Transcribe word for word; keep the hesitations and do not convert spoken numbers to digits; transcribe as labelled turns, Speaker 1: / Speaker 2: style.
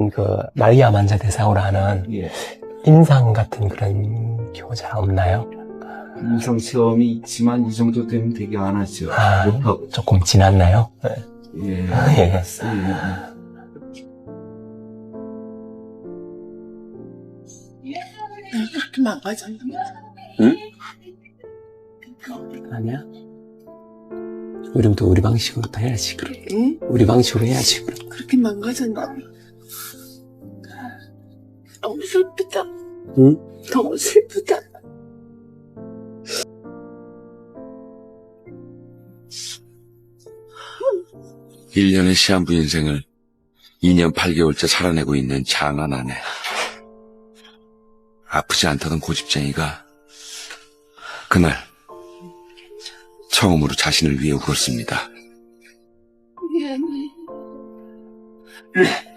Speaker 1: 그 마리아 만자 대사오라는
Speaker 2: 예.
Speaker 1: 임상 같은 그런 교자 없나요?
Speaker 2: 임상 시험이 있지만 이 정도 되면 되게 안 하죠.
Speaker 1: 아,
Speaker 2: 못하고.
Speaker 1: 조금 지났나요? 네.
Speaker 2: 예.
Speaker 1: 예.
Speaker 2: 예.
Speaker 3: 그렇게 망가졌나?
Speaker 1: 응? 아니야? 우리부터 우리 방식으로 다 해야지, 그럼.
Speaker 3: 응?
Speaker 1: 우리 방식으로 해야지, 그럼.
Speaker 3: 그렇게 망가졌나? 너무 슬프다.
Speaker 1: 응?
Speaker 3: 너무 슬프다.
Speaker 4: 일 년의 시한부 인생을 이 년 팔 개월째 살아내고 있는 장한 아내. 아프지 않다던 고집쟁이가 그날 처음으로 자신을 위해 울었습니다.
Speaker 3: 미안해.